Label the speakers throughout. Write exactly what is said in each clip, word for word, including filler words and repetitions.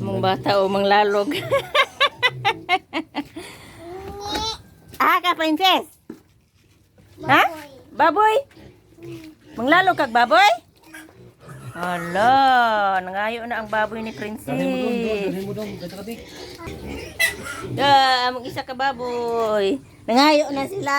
Speaker 1: Mong bata o mang lalog. Ah, ka princess? Ha? Baboy? Manglalog kag baboy? Hala, nangayo na ang baboy ni princess.
Speaker 2: Dahil mo doon, ganda ka, Bik.
Speaker 1: Da, mag isa ka baboy. Nangayo na sila.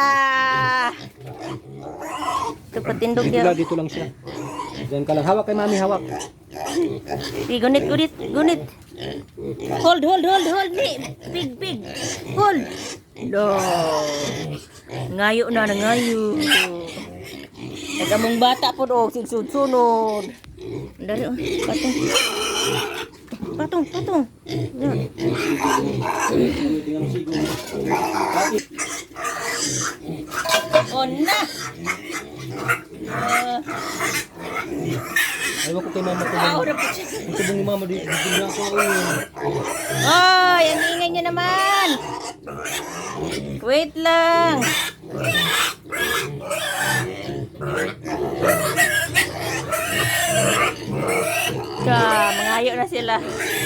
Speaker 1: Ito patindog
Speaker 2: Dito lang,
Speaker 1: yan.
Speaker 2: dito lang siya. Diyan ka lang. Hawak kay mami, hawak.
Speaker 1: Di, gunit, gunit, gunit. Hold, hold, hold, hold. Ni, big, big. Hold. Lo. Ngayo na, nangayo. Nagamong bata po do, sigsud-sunod. Dari, oh, patong. Patong, patong. Yan. On na. Uh,
Speaker 2: Ayaw ko kay mama ko.
Speaker 1: ah, ora po siya.
Speaker 2: Ang sabong ni mama, dito dito na ako.
Speaker 1: Oh, yan ingay nyo naman. Wait lang. Ka, mangayo na sila.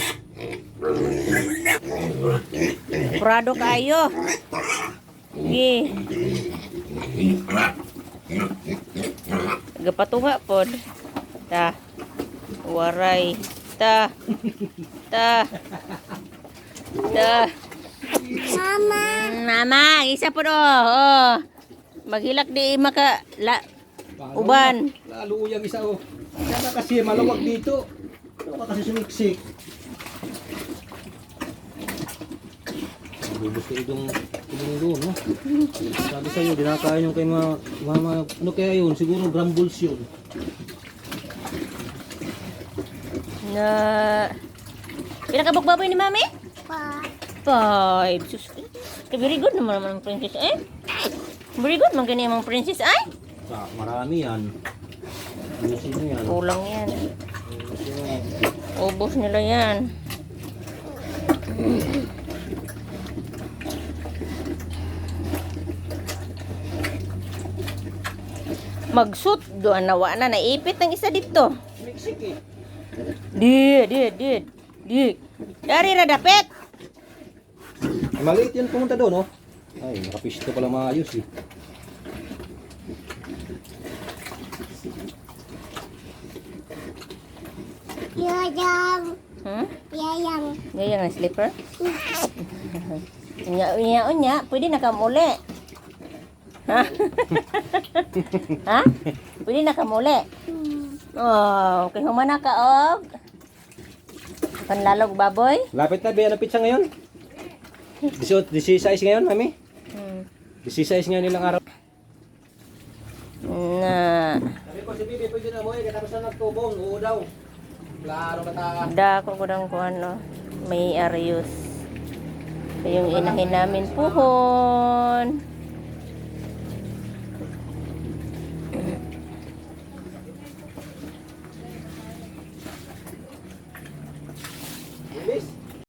Speaker 1: Prado kayo. Sige. Gapatunga pod. Ta. Waray. Ta. Ta. Ta. Mama. Mama, isa po do. Oh. Maghilak di maka la, uban.
Speaker 2: Lalo uyang isa oh. Sana kasi malawag dito. Ano ka kasi sumiksik? Bubus ko itong itong doon, no? Sabi sa'yo, dinakain yung kay mga, mga, ano kaya yun? Siguro brambles yun.
Speaker 1: Na pinakabok baboy ni Mami? Five. Sus. Very good naman naman ang princess eh. Very good man ganyan ang princess ay.
Speaker 2: Ah, marami yan. Ayusin mo yan.
Speaker 1: Kulang yan.
Speaker 2: Ayusin mo yan.
Speaker 1: Ubos nila yan. Magsut doon nawa na naipit ng isa dito.
Speaker 2: Sumiksik eh.
Speaker 1: Di, di, di. Di. Dari ra dapet.
Speaker 2: Maliit yan pumunta doon, oh. Ay, nakapisto pala maayos eh.
Speaker 3: Yayang.
Speaker 1: Hmm?
Speaker 3: Yayang.
Speaker 1: Gaya ng slipper. Unya, unya, unya. Pwede na kamuli. Ha? Ha? Pwede na kamuli. Oh, okay. Humana ka, og. Panlalog baboy.
Speaker 2: Lapit na, Bea, napit siya ngayon. disisais ngayon, mami.
Speaker 1: Hmm.
Speaker 2: disisais ngayon nilang araw.
Speaker 1: Na.
Speaker 2: Sabi ko si Bibi, pwede na mo eh, katapos na nagtubong, oo daw. Klaro ka ta.
Speaker 1: Dako ko lang kung ano. May Arius. So, yung inahin namin puhon.